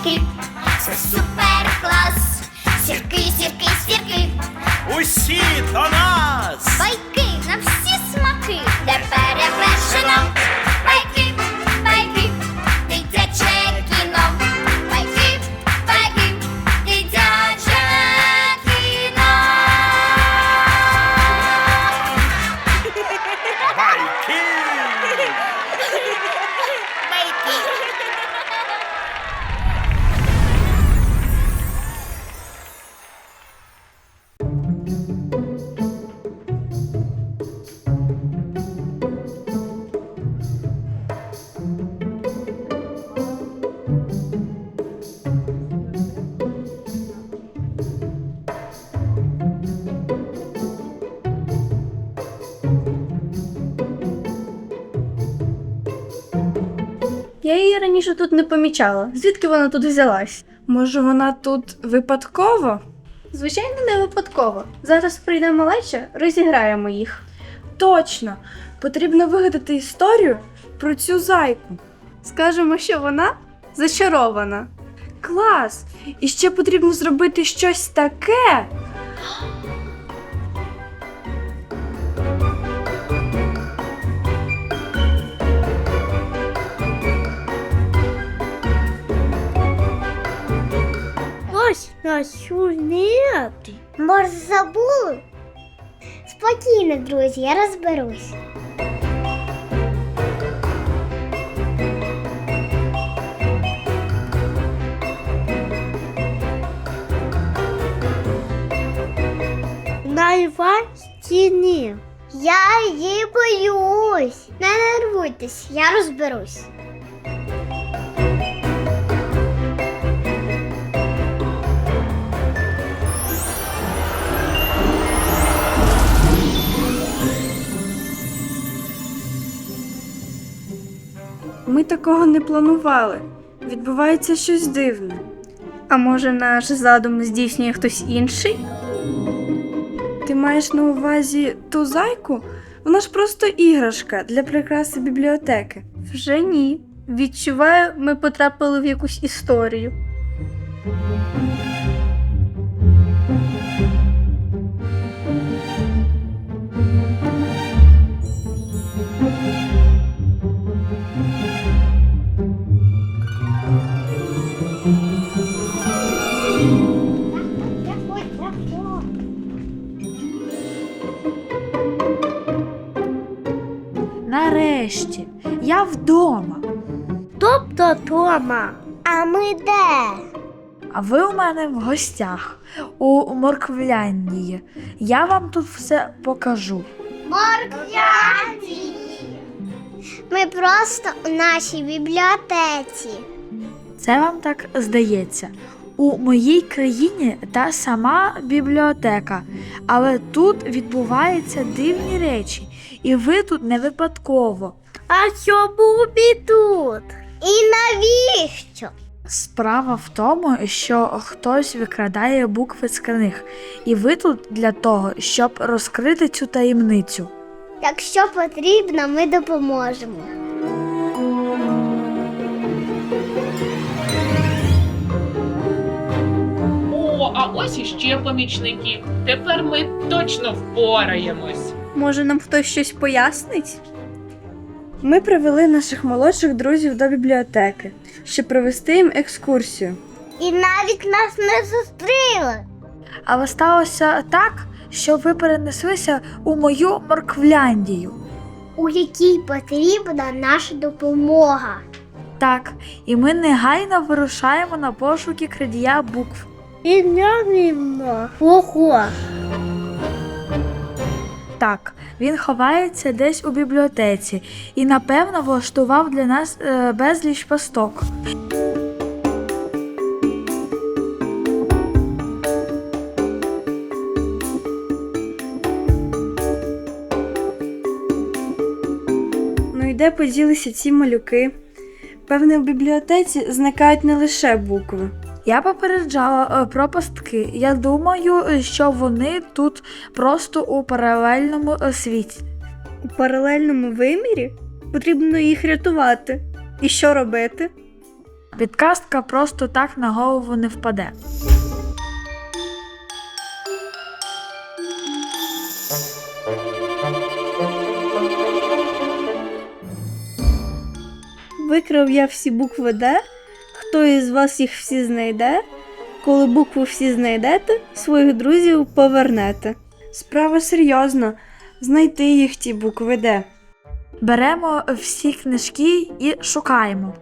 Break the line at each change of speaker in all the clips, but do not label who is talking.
байки, це супер клас. Сірки, сірки, сірки,
Усі до нас!
байки на всі смаки, де перевершено. Байки, байки, дитяче кіно. Байки, байки, дитяче кіно.
Байки!
Я її раніше тут не помічала. Звідки вона тут взялась?
Може, вона тут випадково?
Звичайно, не випадково. Зараз прийде малеча, розіграємо їх.
Точно! Потрібно вигадати історію про цю зайку.
Скажемо, що вона зачарована.
Клас! І ще потрібно зробити щось таке.
Ось нас нет. Може, забули? Спокійно, друзі, я розберусь. На Іванщині. Я її боюсь. Не нервуйтесь, я розберусь.
Ми такого не планували. Відбувається щось дивне.
А може, наш задум здійснює хтось інший?
Ти маєш на увазі ту зайку? Вона ж просто іграшка для прикраси бібліотеки.
Вже ні. Відчуваю, ми потрапили в якусь історію.
Нарешті, я вдома.
Тобто Тома. А ми де?
А ви у мене в гостях у Морквляндії. Я вам тут все покажу.
Морквянці. Ми просто у нашій бібліотеці.
Це вам так здається. У моїй країні та сама бібліотека, але тут відбуваються дивні речі, і ви тут не випадково.
А чому ми тут? І навіщо?
Справа в тому, що хтось викрадає букви з книг, і ви тут для того, щоб розкрити цю таємницю.
Якщо потрібно, ми допоможемо.
О, а ось іще помічники. Тепер ми точно впораємось.
Може, нам хтось щось пояснить?
Ми привели наших молодших друзів до бібліотеки, щоб провести їм екскурсію.
І навіть нас не зустріли.
Але сталося так, що ви перенеслися у мою Морквляндію.
У якій потрібна наша допомога.
Так, і ми негайно вирушаємо на пошуки крадія букв.
І навіть ого.
Так, він ховається десь у бібліотеці і, напевно, влаштував для нас безліч пасток.
Ну і де поділися ці малюки? Певне, в бібліотеці зникають не лише букви.
Я попереджала про пастки. Я думаю, що вони тут просто у паралельному світі.
У паралельному вимірі? Потрібно їх рятувати. І що робити?
Підказка просто так на голову не впаде.
Викрав я всі букви Д. Хто із вас їх всі знайде? Коли букви всі знайдете, своїх друзів повернете.
Справа серйозна. Знайти їх ті букви Д.
Беремо всі книжки і шукаємо.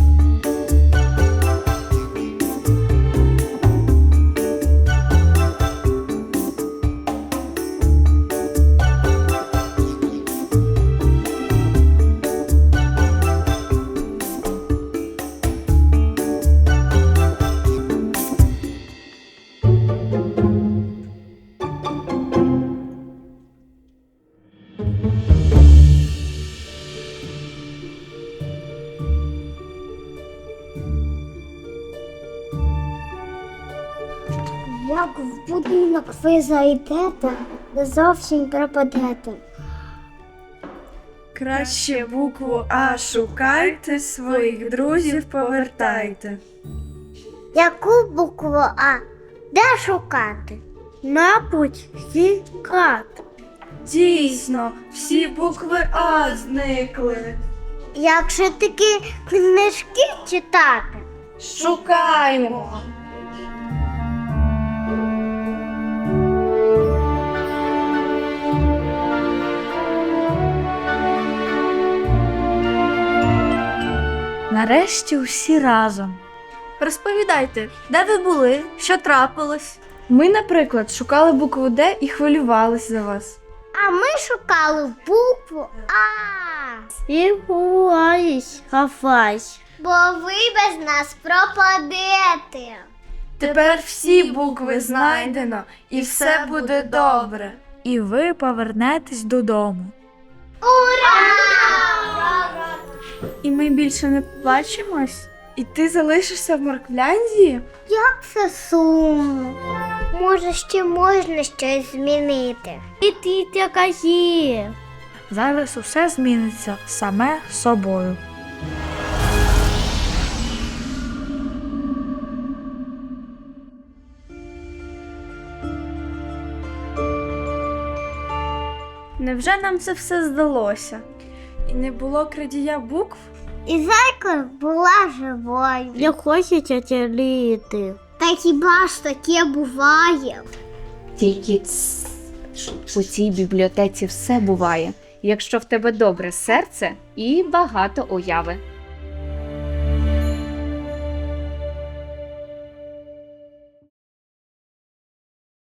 Як в будинок ви зайдете, не зовсім пропадете.
Краще букву А шукайте, своїх друзів повертайте.
Яку букву А? Де шукати? Мабуть, хікати.
Дійсно, всі букви А зникли.
Як же такі книжки читати?
Шукаємо.
Нарешті всі разом.
Розповідайте, де ви були, що трапилось?
Ми, наприклад, шукали букву Д і хвилювались за вас.
А ми шукали букву А.
І ховаюсь, ховаюсь.
Бо ви без нас пропадете.
Тепер всі букви знайдено і все буде добре.
І ви повернетесь додому.
Ура!
І ми більше не побачимось?
І ти залишишся в Морквляндії?
Як це сумно. Може, ще можна щось змінити. І ти така є.
Зараз усе зміниться саме собою.
Невже нам це все здалося?
І не було крадія букв?
І зайка була живою.
Я хочу тятяліти.
Та хіба ж таке буває?
Тільки у цій бібліотеці все буває, якщо в тебе добре серце і багато уяви.